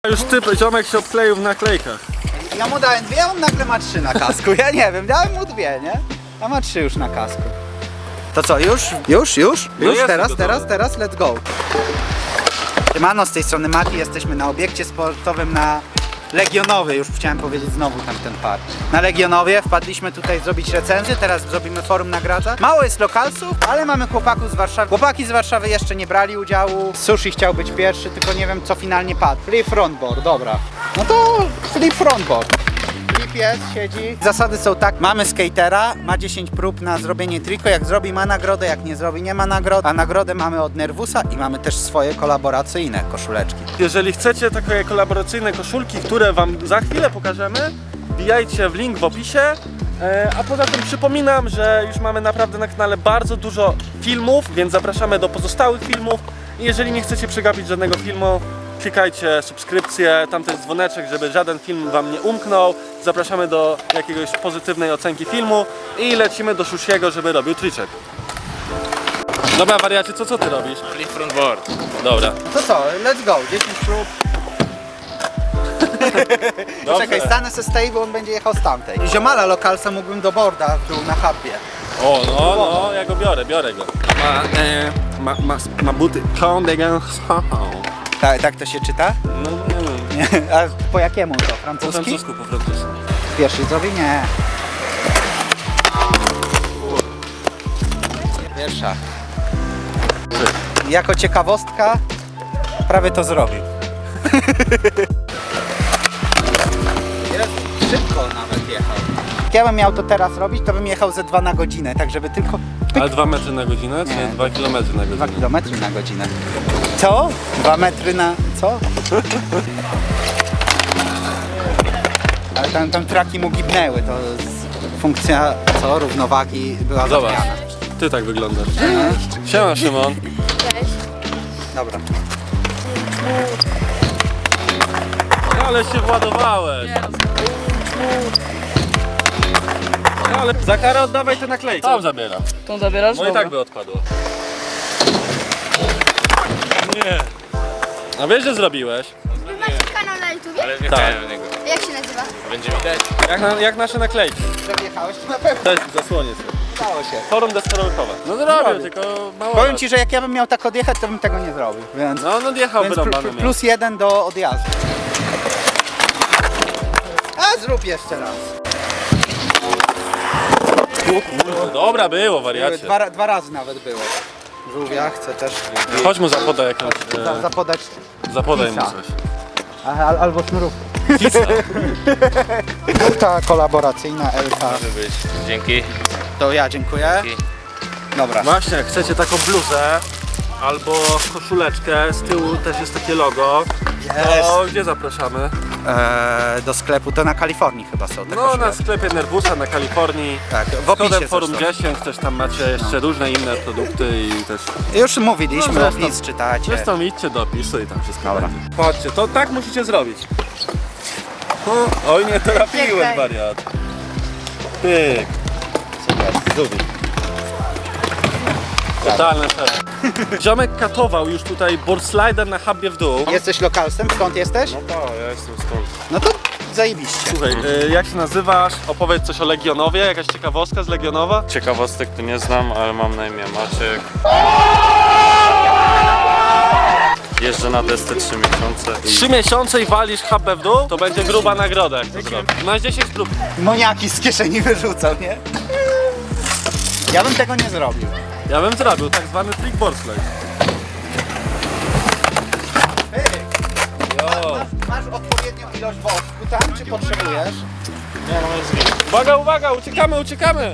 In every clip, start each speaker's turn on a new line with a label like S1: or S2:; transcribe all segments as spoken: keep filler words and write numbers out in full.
S1: Już typ, ziomek się obkleił w naklejkach.
S2: Ja mu dałem dwie, on nagle ma trzy na kasku. Ja nie wiem, dałem mu dwie, nie? A ma trzy już na kasku. To co, już? Już, już?
S1: No
S2: Już,
S1: jestem
S2: teraz,
S1: gotowy.
S2: teraz, teraz, let's go. Siemano, z tej strony Mati, jesteśmy na obiekcie sportowym na Legionowie, już chciałem powiedzieć znowu tam ten park. Na Legionowie wpadliśmy tutaj zrobić recenzję, teraz zrobimy forum nagradza. Mało jest lokalsów, ale mamy chłopaków z Warszawy. Chłopaki z Warszawy jeszcze nie brali udziału. Sushi chciał być pierwszy, tylko nie wiem co finalnie padł. Flip frontboard, dobra. No to flip frontboard. Flip jest, siedzi. Zasady są tak, mamy skatera, ma dziesięć prób na zrobienie triko, jak zrobi ma nagrodę, jak nie zrobi nie ma nagrody, a nagrodę mamy od Nervusa i mamy też swoje kolaboracyjne koszuleczki.
S1: Jeżeli chcecie takie kolaboracyjne koszulki, które wam za chwilę pokażemy, wbijajcie w link w opisie. E, a poza tym przypominam, że już mamy naprawdę na kanale bardzo dużo filmów, więc zapraszamy do pozostałych filmów. I jeżeli nie chcecie przegapić żadnego filmu, klikajcie subskrypcję, tam też dzwoneczek, żeby żaden film wam nie umknął. Zapraszamy do jakiegoś pozytywnej ocenki filmu i lecimy do Szusiego, żeby robił triczek. Dobra wariacie, co co ty robisz?
S3: Flip frontboard.
S1: Dobra.
S2: To co, let's go, dziesięć prób. Czekaj, stanę se z tej, bo on będzie jechał z tamtej. Ziomala lokalsa mógłbym do borda w dół na hubbie.
S1: O, no, no, ja go biorę, biorę go. Ma, e, ma, ma, ma buty.
S2: Tak, tak to się czyta?
S1: No, nie wiem.
S2: Nie. A po jakiemu to?
S1: Po
S2: Francuski?
S1: francusku, po francusku.
S2: Pierwszy zrobi? Nie. Pierwsza. Jako ciekawostka prawie to zrobił. Jezu, szybko nawet jechał. Jak ja bym miał to teraz robić, to bym jechał ze dwa na godzinę, tak żeby tylko
S1: Ale dwa metry na godzinę, czy
S2: Nie.
S1: dwa kilometry na
S2: dwa
S1: godzinę?
S2: kilometry na godzinę. Co? Dwa metry na... co? Ale tam, tam traki mu gibnęły, to z- funkcja, co? Równowagi była
S1: Zobacz,
S2: zapomniana.
S1: ty tak wyglądasz. Siema Szymon.
S2: Dobra.
S1: Ale się władowałeś. Ale za karę oddawaj te naklejki. Tam zabieram.
S4: Tą zabierasz?
S1: No i tak by odpadło. Nie. A wiesz, że zrobiłeś?
S5: Wy macie kanał na YouTubie?
S3: Ale nie
S1: Tak.
S3: chciałem niego.
S5: Jak się nazywa?
S3: Będzie widać.
S1: Jak, na, jak nasze naklejki.
S2: Przejechałeś to na pewno.
S1: Cześć, zasłonię się.
S2: Udało się.
S1: Forum deskorolkowe. No zrobił,
S2: Zrobił.
S1: tylko mało.
S2: Powiem
S1: lat.
S2: ci, że jak ja bym miał tak odjechać, to bym tego nie zrobił. Więc,
S1: No, no jechał
S2: więc pl-
S1: wyrąbany
S2: pl-
S1: miał.
S2: plus jeden do odjazdu. A zrób jeszcze raz.
S1: Dobra było, wariacie.
S2: Dwa, ra- dwa razy nawet było. Żółwia chcę też
S1: Chodź mu zapodaj jakąś...
S2: za,
S1: E,
S2: zapodać.
S1: zapodaj mu
S2: pisa.
S1: coś.
S2: Aha, al- albo sznurówkę.
S1: Pisa.
S2: Ta kolaboracyjna L K.
S3: Może być. Dzięki.
S2: To ja dziękuję.
S3: Dzięki.
S2: Dobra.
S1: Właśnie, jak chcecie taką bluzę albo koszuleczkę, z tyłu też jest takie logo, to gdzie zapraszamy?
S2: Eee, do sklepu to na Kalifornii chyba są te
S1: No na
S2: koszuleczki.
S1: sklepie Nervusa na Kalifornii.
S2: Tak, w
S1: Z kodem
S2: opisie
S1: Forum
S2: zresztą.
S1: dziesięć też tam macie jeszcze różne inne produkty i też...
S2: Już mówiliśmy,
S1: No, zresztą-
S2: opis czytacie.
S1: Zresztą idźcie do opisu i tam wszystko
S2: Dobra.
S1: będzie. Patrzcie, to tak musicie zrobić. O, oj nie trafiłem,
S5: Czekaj.
S1: wariat. Pyk. Super, zubi. Totalne szef. Ziomek katował już tutaj board slider na hubbie w dół.
S2: Jesteś lokalsem? Skąd jesteś?
S3: No to ja jestem stąd.
S2: No to zajebiście.
S1: Słuchaj, y, jak się nazywasz? Opowiedz coś o Legionowie, jakaś ciekawostka z Legionowa?
S3: Ciekawostek tu nie znam, ale mam na imię Maciek. Jeżdżę na desce trzy miesiące. I...
S1: Trzy miesiące i walisz hubbę w dół, to będzie gruba nagroda, jak to zrobisz. Masz dziesięć prób.
S2: Moniaki z kieszeni wyrzucał, nie? Ja bym tego nie zrobił.
S1: Ja bym zrobił tak zwany trick board slide. Jo.
S2: Masz odpowiednią ilość wosku tam, czy potrzebujesz?
S3: Nie, no jest git.
S1: Uwaga, uwaga, uciekamy, uciekamy!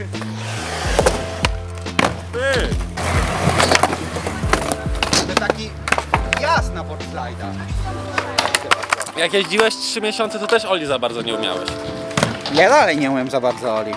S1: Ty.
S2: To taki jazd na board slide'a.
S1: Jak jeździłeś trzy miesiące, to też Oli za bardzo nie umiałeś.
S2: Ja dalej nie umiem za bardzo Oli.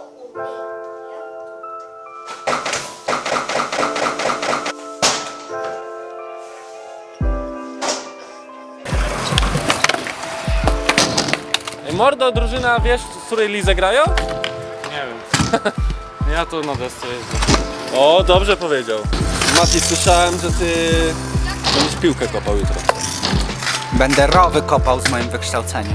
S1: Ej, mordo, drużyna, wiesz, z której lizę grają?
S3: Nie wiem. Ja tu na desce jeżdżę.
S1: O, dobrze powiedział. Mati, słyszałem, że ty będziesz piłkę kopał jutro.
S2: Będę rowy kopał z moim wykształceniem.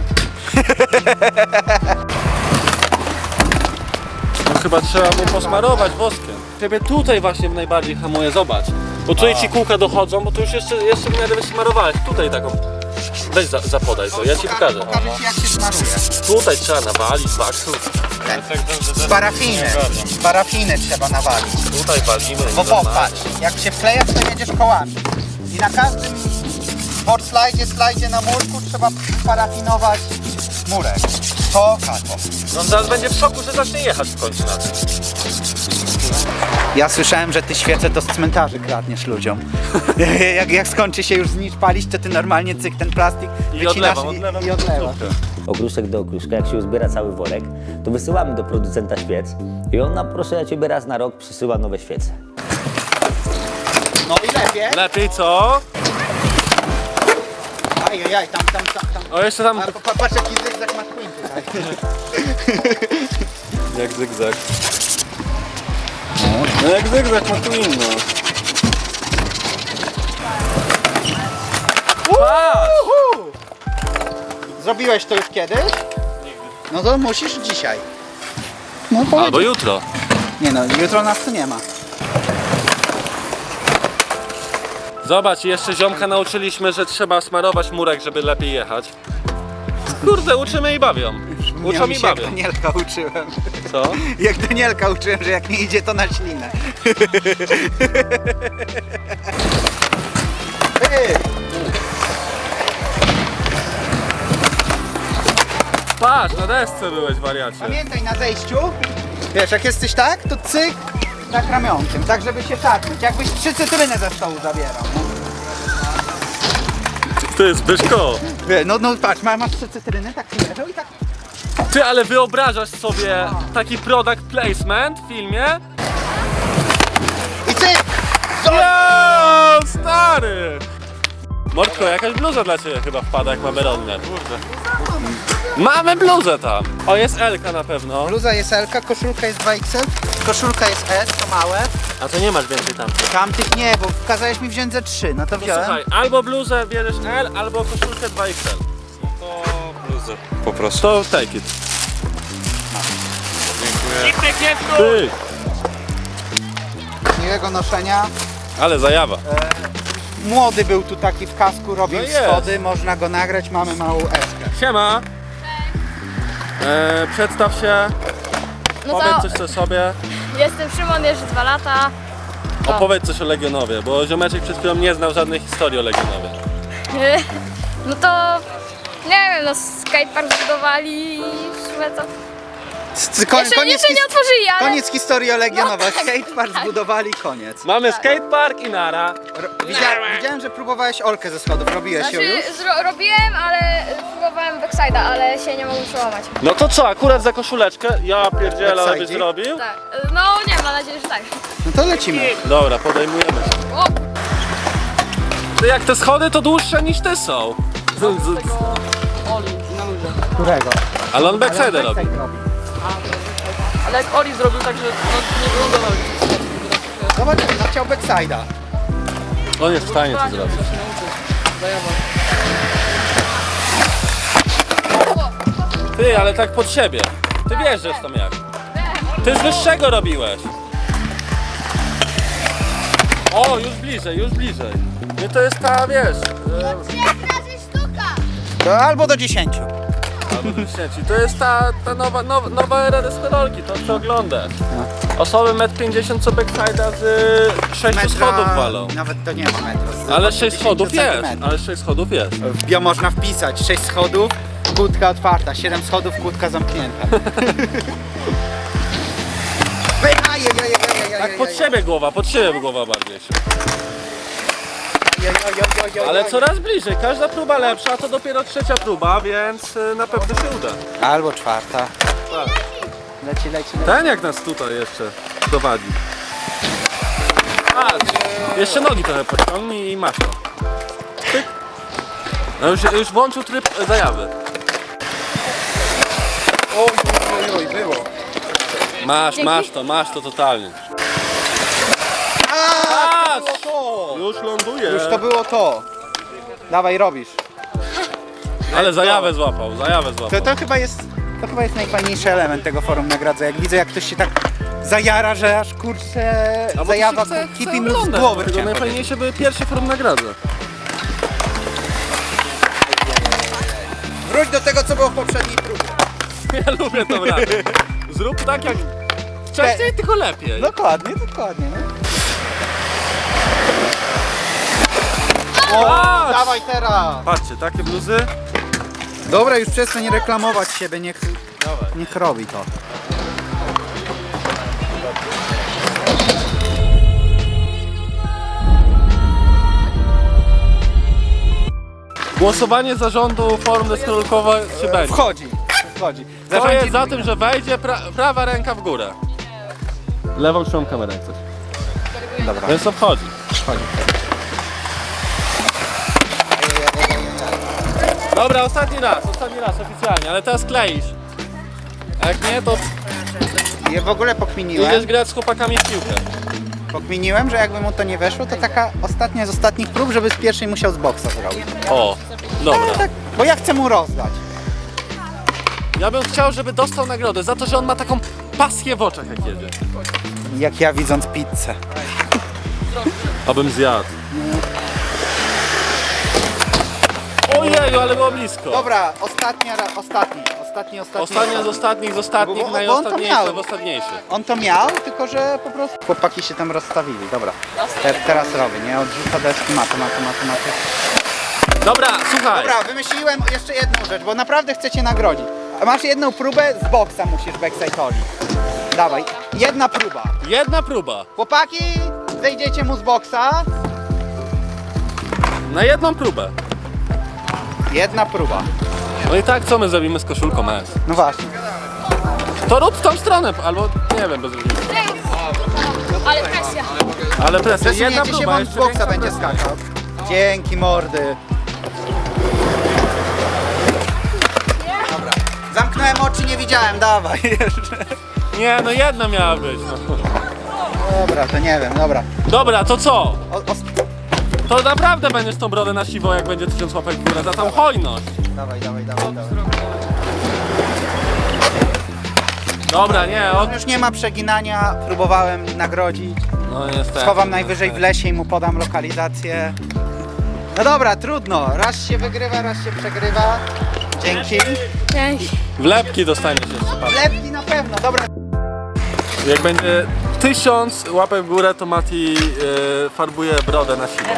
S1: No chyba trzeba mu posmarować woskiem. Ciebie tutaj właśnie najbardziej hamuje, zobacz. Bo tutaj ci kółka dochodzą, bo tu już jeszcze, jeszcze w miarę wysmarowałeś. Tutaj taką... Weź za, zapodaj to, ja ci pokażę.
S2: Pokażę ci, jak się smaruje.
S1: Tutaj trzeba nawalić, baksus.
S2: Z parafiny. Z parafiny trzeba nawalić.
S1: Tutaj walimy.
S2: Bo popatrz, jak się wkleja, to jedziesz kołami. I na każdym board slajdzie, slajdzie na murku trzeba parafinować murek. To kato.
S1: No on zaraz będzie w szoku, że zacznie jechać w końcu na tym.
S2: Ja słyszałem, że ty świece to z cmentarzy kradniesz ludziom. jak, jak skończy się już znicz palić, to ty normalnie cyk ten plastik
S1: I
S2: wycinasz
S1: odlewam,
S2: i,
S1: odlewam
S2: i odlewasz.
S1: końcówkę.
S4: Okruszek do okruszka, jak się uzbiera cały worek, to wysyłamy do producenta świec i on nam, proszę ja ciebie, raz na rok przysyła nowe świece.
S2: No i lepiej.
S1: Lepiej co?
S2: Ajajaj, tam, tam, tam, tam.
S1: O, jeszcze tam...
S2: A, pa, patrz jaki zygzak McQueen tutaj.
S1: Jak zygzak. No jak zygzak ma tu inno.
S2: Zrobiłeś to już kiedyś? No to musisz dzisiaj. No powiedz.
S1: Albo jutro.
S2: Nie no, jutro nas tu nie ma.
S1: Zobacz, jeszcze ziomka nauczyliśmy, że trzeba smarować murek, żeby lepiej jechać. Kurde, uczymy i bawią. Uczą i
S2: się jak
S1: bawią.
S2: Danielka uczyłem.
S1: Co?
S2: Jak Danielka uczyłem, że jak nie idzie, to na ślinę. Ej,
S1: Patrz, na desce byłeś, wariacie.
S2: pamiętaj na zejściu, wiesz, jak jesteś tak, to cyk, tak ramionkiem, tak żeby się szarpnąć. Jakbyś trzy cytryny ze stołu zabierał.
S1: Ty, Zbyszko.
S2: Wie, No, no patrz, ma- masz trzy cytryny, tak się leżą i tak.
S1: Ty, ale wyobrażasz sobie taki product placement w filmie?
S2: I cyk!
S1: Jo, stary! Mordko, jakaś bluza dla ciebie chyba wpada, jak mamy rodne. Mamy bluzę tam. O, jest Elka na pewno.
S2: Bluza jest L, koszulka jest dwa X L, koszulka jest S, to małe.
S1: A to nie masz więcej tam.
S2: Tamtych nie, bo kazałeś mi wziąć ze trzy, no to
S1: To
S2: wziąłem.
S1: słuchaj, albo bluzę bierzesz L, albo koszulkę dwa X L.
S3: To bluzę. Poproszę.
S1: To take it.
S3: Dziękuję.
S1: Ty,
S2: Miłego noszenia.
S1: ale zajawa.
S2: Młody był tu taki w kasku, robił
S1: No jest.
S2: schody, można go nagrać, mamy małą eskę.
S1: Siema. E, przedstaw się,
S5: No
S1: powiedz
S5: to
S1: coś o sobie.
S5: jestem Szymon, jeszcze dwa lata. O.
S1: Opowiedz coś o Legionowie, bo ziomeczek przed chwilą nie znał żadnej historii o Legionowie.
S5: No to nie wiem, no skatepark zbudowali i w sumie to...
S2: Ko-
S5: Jeszcze, jeszcze
S2: his-
S5: nie otworzyli, ale...
S2: Koniec historii o Legionowa.
S5: No tak,
S2: Skatepark
S5: tak.
S2: zbudowali, koniec.
S1: Mamy skatepark i nara.
S2: Ro- widziałem, widziałem, że próbowałeś Olkę ze schodów, robiłeś ją
S5: Znaczy,
S2: już?
S5: zro- robiłem, ale próbowałem backside'a, ale się nie mogłem przełamać.
S1: No to co, akurat za koszuleczkę? Ja pierdzielę, ale byś
S2: Backside?
S1: zrobił?
S5: Tak, no nie, mam nadzieję, że tak.
S2: No to lecimy.
S1: Dobra, podejmujemy się.
S5: O,
S1: Ty, jak te schody to dłuższe niż te są. Z, z,
S2: Którego?
S1: ale on backside robi.
S2: Backside robi.
S6: Ale jak Oli zrobił tak, że no, nie wygląda na
S2: Zobacz, no chciał backside'a.
S1: On jest w stanie to zrobić. Ty, ale tak pod siebie. Ty wiesz, że tam jak. Ty z wyższego robiłeś. O, już bliżej, już bliżej. Nie, to jest ta, wiesz... E,
S5: razy sztuka!
S2: To albo do dziesięciu.
S1: albo dziesięć. To jest ta, ta nowa, nowa, nowa era deskorolki, to co oglądasz. Osoby metr pięćdziesiąt co backside'a z sześciu schodów walą.
S2: Nawet to nie ma metra.
S1: Ale sześć schodów jest,
S2: centymetrów.
S1: ale sześć schodów jest.
S2: W bio można wpisać sześć schodów, kłódka otwarta, siedem schodów, kłódka zamknięta.
S1: Tak pod siebie głowa, pod siebie głowa bardziej. Ale coraz bliżej, każda próba lepsza, a to dopiero trzecia próba, więc y, na pewno się uda.
S2: Albo czwarta.
S1: Tak.
S2: Leci, leci, leci.
S1: Ten jak nas tutaj jeszcze dowadzi. Patrz, jeszcze nogi trochę podciągnij i masz to. Tyk. No już, już włączył tryb e, zajawy.
S2: Oj, oj, oj, było.
S1: Masz, masz to, masz to totalnie. Patrz! Już ląduje.
S2: Już to było to. Dawaj, robisz.
S3: Ale
S2: Let's
S3: zajawę
S2: go.
S3: złapał, zajawę złapał.
S2: To, to chyba jest, to chyba jest najfajniejszy element tego forum nagradza. Jak widzę, jak ktoś się tak zajara, że aż kurczę
S3: A bo to
S2: zajawa
S3: się chce-
S2: kipi
S3: chce
S2: mu z
S3: oglądać,
S2: głowy.
S3: dlatego
S2: chciałem
S3: najfajniejsze były pierwsze forum nagrody.
S2: powiedzieć. Wróć do tego, co było w poprzedniej próbie.
S3: Ja lubię tą radę. Zrób tak jak wcześniej, tylko lepiej.
S2: Dokładnie, dokładnie. No.
S3: Patrz!
S2: Dawaj teraz!
S1: Patrzcie, takie bluzy.
S2: Dobra, już przestań reklamować siebie, niech, niech robi to.
S3: Głosowanie zarządu forum deskorolkowe się będzie.
S2: Wchodzi, wchodzi.
S3: To
S2: Zarządzi-
S3: jest za tym, że wejdzie pra prawa ręka w górę. Lewą trzymam kamerę jak coś.
S2: Dobra.
S3: Więc to wchodzi.
S2: Wchodzi.
S3: Dobra, ostatni raz, ostatni raz oficjalnie, ale teraz kleisz. A jak nie, to
S2: Ja w ogóle
S3: idziesz
S2: pokminiłem,
S3: grać z chłopakami w piłkę.
S2: pokminiłem, że jakby mu to nie weszło, to taka ostatnia z ostatnich prób, żeby z pierwszej musiał z boksa zrobić.
S3: O, dobra.
S2: Tak, bo ja chcę mu rozdać.
S3: Ja bym chciał, żeby dostał nagrodę za to, że on ma taką pasję w oczach jak jedzie.
S2: Jak ja widząc pizzę.
S3: Abym zjadł. Ojeju, ale było blisko.
S2: Dobra, ostatnia, ra- ostatni, ostatni, ostatni.
S3: Ostatnia z ostatnich, z ostatnich,
S2: Bo- bo on to
S3: najostatniejsza
S2: miał.
S3: w ostatniejszy.
S2: On to miał, tylko że po prostu chłopaki się tam rozstawili. Dobra, Te, teraz robię, nie? Odrzuca deski, maty, maty, maty, maty.
S3: Dobra, słuchaj.
S2: Dobra, wymyśliłem jeszcze jedną rzecz, bo naprawdę chcę cię nagrodzić. Masz jedną próbę, z boksa musisz backstage'owi. Dawaj, jedna próba.
S3: Jedna próba.
S2: Chłopaki, zejdziecie mu z boksa.
S3: Na jedną próbę.
S2: Jedna próba.
S3: No i tak, co my zrobimy z koszulką S?
S2: No właśnie.
S3: To rób w tą stronę, albo nie wiem, bez różnicy.
S5: Ale presja.
S3: Ale presja, jedna
S2: Przesunięcie się, bo
S3: próba,
S2: on z
S3: jeszcze
S2: boksa
S3: większa
S2: będzie
S3: presja.
S2: skakał. Dzięki, mordy. Dobra. Zamknąłem oczy, nie widziałem, dawaj jeszcze.
S3: Nie, no jedna miała być. No.
S2: Dobra, to nie wiem, dobra.
S3: Dobra, to co?
S2: O, o,
S3: To naprawdę będziesz tą brodę na siwo, jak będzie tysiąc łapek w górę za tą hojność.
S2: dawaj, dawaj, dawaj, dawaj.
S3: Dobra, nie, od...
S2: Już nie ma przeginania, próbowałem nagrodzić.
S3: No niestety.
S2: Schowam najwyżej w lesie i mu podam lokalizację. No dobra, trudno. Raz się wygrywa, raz się przegrywa. Dzięki.
S3: Wlepki dostaniesz jeszcze, patrz.
S2: Lepki na pewno, dobra.
S3: Jak będzie tysiąc łapek w górę, to Mati yy, farbuje brodę na siwo.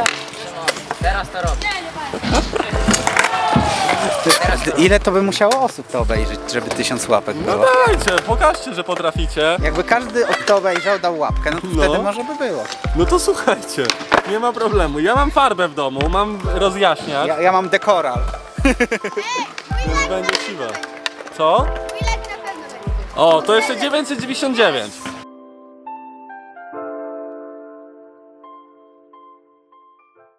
S2: Ile to by musiało osób to obejrzeć, żeby tysiąc łapek
S3: No
S2: było?
S3: dajcie, pokażcie, że potraficie.
S2: Jakby każdy to obejrzał, dał łapkę, no to
S3: No.
S2: wtedy może by było.
S3: No to słuchajcie, nie ma problemu. Ja mam farbę w domu, mam rozjaśniacz,
S2: Ja, ja mam dekoral.
S3: więc będzie siwe. Co? O, to jeszcze dziewięćset dziewięćdziesiąt dziewięć.